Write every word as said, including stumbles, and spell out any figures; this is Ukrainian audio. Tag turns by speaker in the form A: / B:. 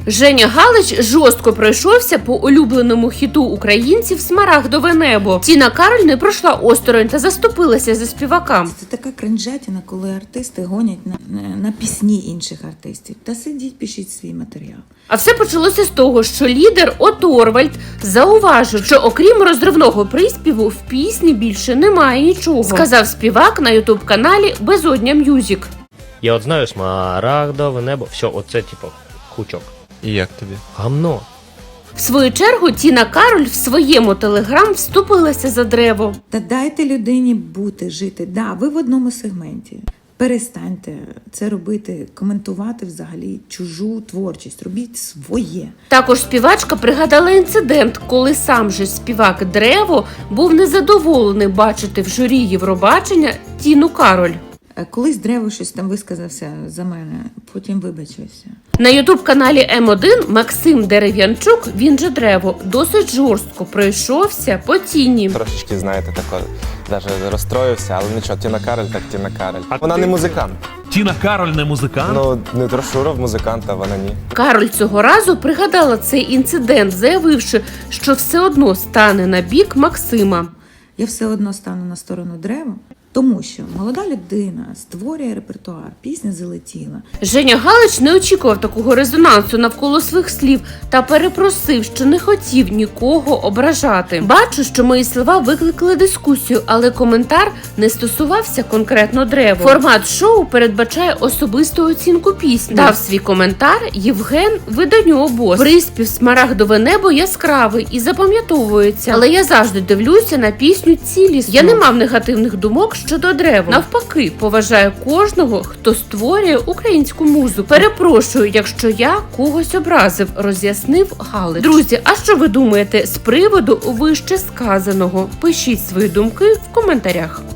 A: Женя Галич жорстко пройшовся по улюбленому хіту українців «Смарагдове небо». Тіна Кароль не пройшла осторонь та заступилася за співака.
B: Це така кринжатіна, коли артисти гонять на, на, на пісні інших артистів. Та сидіть, пишіть свій матеріал.
A: А все почалося з того, що лідер Оторвальд зауважив, що окрім розривного приспіву в пісні більше немає нічого. Сказав співак на ютуб-каналі Безодня М'юзік.
C: Я от знаю «Смарагдове небо», все, оце типу хучок.
D: І як тобі?
C: Гамно.
A: В свою чергу Тіна Кароль в своєму телеграм вступилася за Древо.
B: Та дайте людині бути, жити. Да, ви в одному сегменті. Перестаньте це робити, коментувати взагалі чужу творчість. Робіть своє.
A: Також співачка пригадала інцидент, коли сам же співак Древо був незадоволений бачити в журі Євробачення Тіну Кароль.
B: Колись Древо щось там висказався за мене, потім вибачився.
A: На ютуб-каналі Ем один Максим Дерев'янчук, він же Древо, досить жорстко пройшовся по Тіні.
E: Трошечки, знаєте, тако, навіть розстроївся, але нічого, Тіна Кароль так Тіна Кароль.
D: А
E: Вона
D: ти-
E: не музикант.
D: Тіна Кароль не музикант?
E: Ну, не Трошуров музикант, а вона ні.
A: Кароль цього разу пригадала цей інцидент, заявивши, що все одно стане на бік Максима.
B: Я все одно стану на сторону Древа, тому що молода людина створює репертуар, пісня залетіла.
A: Женя Галич не очікував такого резонансу навколо своїх слів та перепросив, що не хотів нікого ображати. Бачу, що мої слова викликали дискусію, але коментар не стосувався конкретно Древа. Формат шоу передбачає особисту оцінку пісні. Дав свій коментар Євген виданню «Обоз». Приспів «Смарагдове небо» яскравий і запам'ятовується, але я завжди дивлюся на пісню цілісно. Я не мав негативних думок щодо Древа. Навпаки, поважаю кожного, хто створює українську музику. Перепрошую, якщо я когось образив, роз'яснив Галич. Друзі, а що ви думаєте з приводу вище сказаного? Пишіть свої думки в коментарях.